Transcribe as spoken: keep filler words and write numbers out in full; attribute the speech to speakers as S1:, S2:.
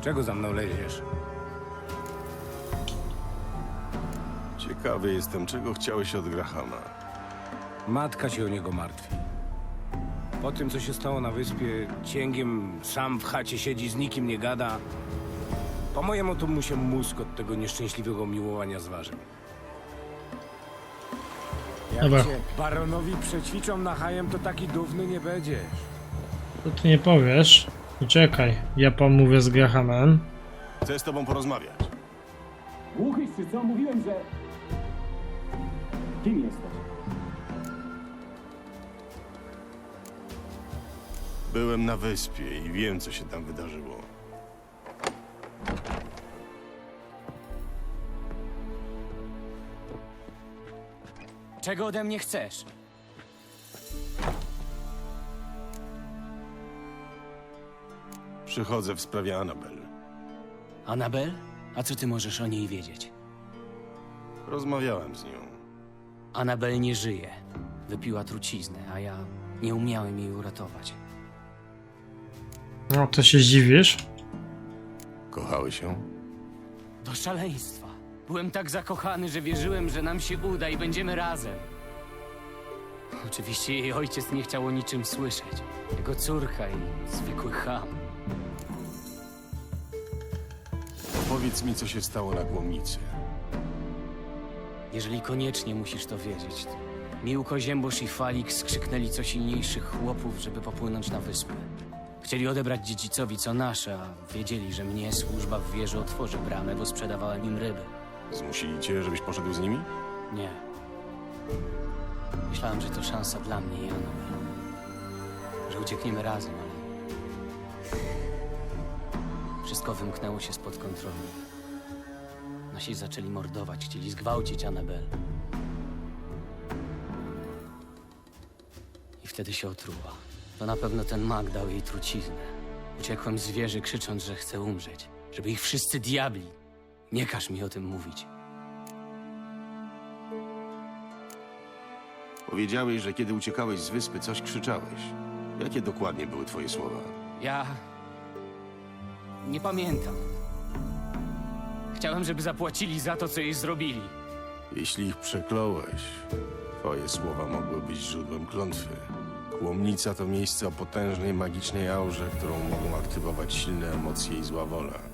S1: Czego za mną leziesz?
S2: Ciekawy jestem, czego chciałeś od Grahama.
S1: Matka się o niego martwi. Po tym, co się stało na wyspie, cięgiem sam w chacie siedzi, z nikim nie gada. Po mojemu to mu się mózg od tego nieszczęśliwego miłowania zważył. Jak
S3: Dobra.
S1: cię baronowi przećwiczą na hajem, to taki dówny nie będziesz.
S3: To ty nie powiesz. Poczekaj, ja pomówię z Grahamem.
S2: Chcę z tobą porozmawiać.
S4: Głuchyś czy co? Mówiłem, że... Kim jesteś?
S2: Byłem na wyspie i wiem, co się tam wydarzyło.
S5: Czego ode mnie chcesz?
S2: Przychodzę w sprawie Annabel.
S5: Annabel? A co ty możesz o niej wiedzieć?
S2: Rozmawiałem z nią.
S5: Annabel nie żyje. Wypiła truciznę, a ja nie umiałem jej uratować.
S3: No, to się zdziwisz.
S2: Kochały się?
S5: Do szaleństwa. Byłem tak zakochany, że wierzyłem, że nam się uda i będziemy razem. Oczywiście jej ojciec nie chciał o niczym słyszeć. Jego córka i zwykły cham.
S2: Powiedz mi, co się stało na Głomnicy.
S5: Jeżeli koniecznie musisz to wiedzieć. Miłko, Ziębosz i Falik skrzyknęli co silniejszych chłopów, żeby popłynąć na wyspę. Chcieli odebrać dziedzicowi co nasze, a wiedzieli, że mnie służba w wieży otworzy bramę, bo sprzedawałem im ryby.
S2: Zmusili cię, żebyś poszedł z nimi?
S5: Nie. Myślałem, że to szansa dla mnie i Annabel. Że uciekniemy razem, ale... Wszystko wymknęło się spod kontroli. Nasi zaczęli mordować, chcieli zgwałcić Annabel. I wtedy się otruła. To na pewno ten mag dał jej truciznę. Uciekłem z wieży, krzycząc, że chcę umrzeć. Żeby ich wszyscy diabli. Nie każ mi o tym mówić.
S2: Powiedziałeś, że kiedy uciekałeś z wyspy, coś krzyczałeś. Jakie dokładnie były twoje słowa?
S5: Ja... nie pamiętam. Chciałem, żeby zapłacili za to, co jej zrobili.
S2: Jeśli ich przekląłeś, twoje słowa mogły być źródłem klątwy. Kłomnica to miejsce o potężnej magicznej aurze, którą mogą aktywować silne emocje i zła wola.